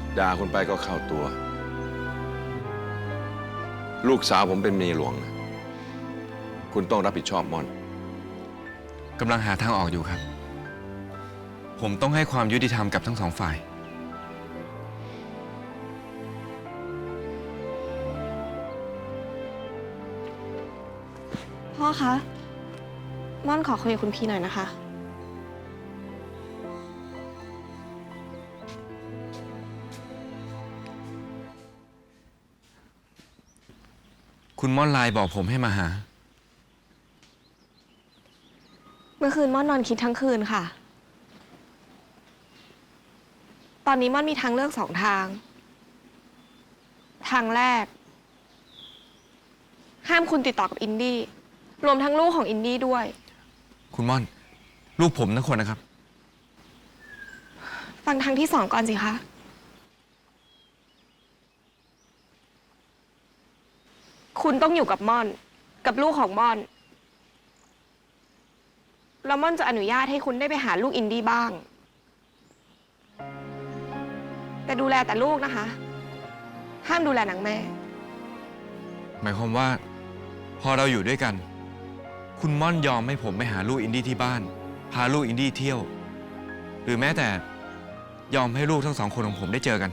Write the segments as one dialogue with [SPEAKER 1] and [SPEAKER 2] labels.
[SPEAKER 1] ด่าคุณไปก็เข้าตัว ลูกสาวผมเป็นเมียหลวงนะคุณต้องรับผิดชอบม่อน
[SPEAKER 2] กำลังหาทางออกอยู่ครับ ผมต้องให้ความยุติธรรมกับทั้งสองฝ่าย
[SPEAKER 3] พ่อคะม่อนขอคุยกับคุณพี่หน่อยนะคะ
[SPEAKER 2] คุณม่อนไลน์บอกผมให้มาหา
[SPEAKER 3] เมื่อคืนม่อนนอนคิดทั้งคืนค่ะ ตอนนี้ม่อนมีทางเลือก2 ทาง ทางแรก ห้ามคุณติดต่อกับอินดี้ รวมทั้งลูกของอินดี้ด้วย
[SPEAKER 2] คุณม่อน ลูกผมทั้งคนนะครับ
[SPEAKER 3] ฟังทางที่ 2ก่อนสิคะ คุณต้องอยู่กับม่อน กับลูกของม่อน แล้วม่อนจะอนุญาตให้คุณได้ไปหาลูกอินดี้บ้าง แต่ดูแลแต่ลูกนะคะ ห้ามดูแลนางแม่
[SPEAKER 2] หมายความว่า พอเราอยู่ด้วยกัน คุณม่อนยอมให้ผมไปหาลูกอินดี้ที่บ้าน พาลูกอินดี้เที่ยว หรือแม้แต่ยอมให้ลูกทั้ง2 คนของผมได้เจอกัน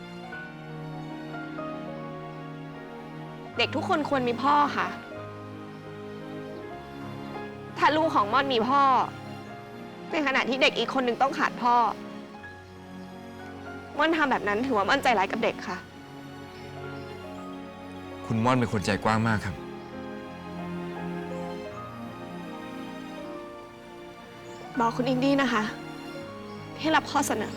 [SPEAKER 3] เด็กทุกคนควรมีพ่อค่ะ ถ้าลูกของม่อนมีพ่อ ในขณะที่เด็กอีกคนหนึ่งต้องขาดพ่อ ม่อนทำแบบนั้นถือว่าม่อนใจร้ายกับเด็กค่ะ
[SPEAKER 2] คุณม่อนเป็นคนใจกว้างมากครับ
[SPEAKER 3] บอกคุณอินดี้นะคะ ให้รับข้อเสนอ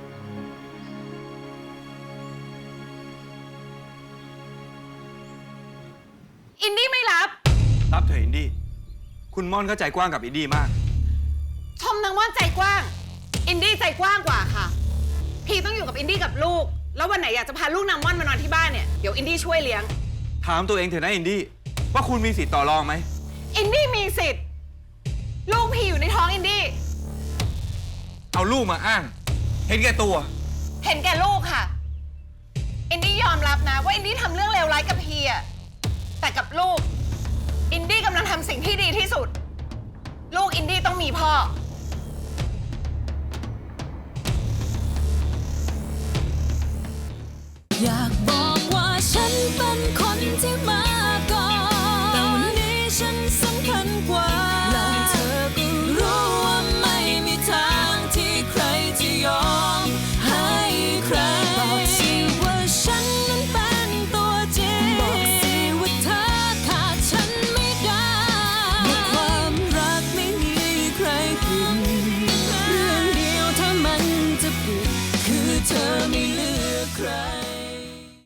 [SPEAKER 4] อินดี้ไม่รับ
[SPEAKER 2] รับเถอะอินดี้ คุณม่อนเข้าใจกว้างกับอินดี้มาก
[SPEAKER 4] ชมนางม่อนใจกว้าง อินดี้ใจกว้างกว่าค่ะ พี่ต้องอยู่กับอินดี้กับลูก แล้ววันไหนอยากจะพาลูกนางม่อนมานอนที่บ้านเนี่ย เดี๋ยวอินดี้ช่วยเลี้ยง
[SPEAKER 2] ถามตัวเองเถอะนะอินดี้ ว่าคุณมีสิทธิ์ต่อรองไหม
[SPEAKER 4] อินดี้มีสิทธิ์ ลูกพี่อยู่ในท้องอินดี้
[SPEAKER 2] เอาลูกมาอ้าง เห็นแก่ตัว
[SPEAKER 4] เห็นแก่ลูกค่ะ อินดี้ยอมรับนะว่าอินดี้ทำเรื่องเลวร้ายกับพี่อะแต่กับลูก อินดี้กำลังทำสิ่งที่ดีที่สุด ลูกอินดี้ต้องมีพ่อ
[SPEAKER 5] อยากบอกว่าฉันเป็นคนที่มาก่อนแต่วันนี้ฉันสำคัญกว่า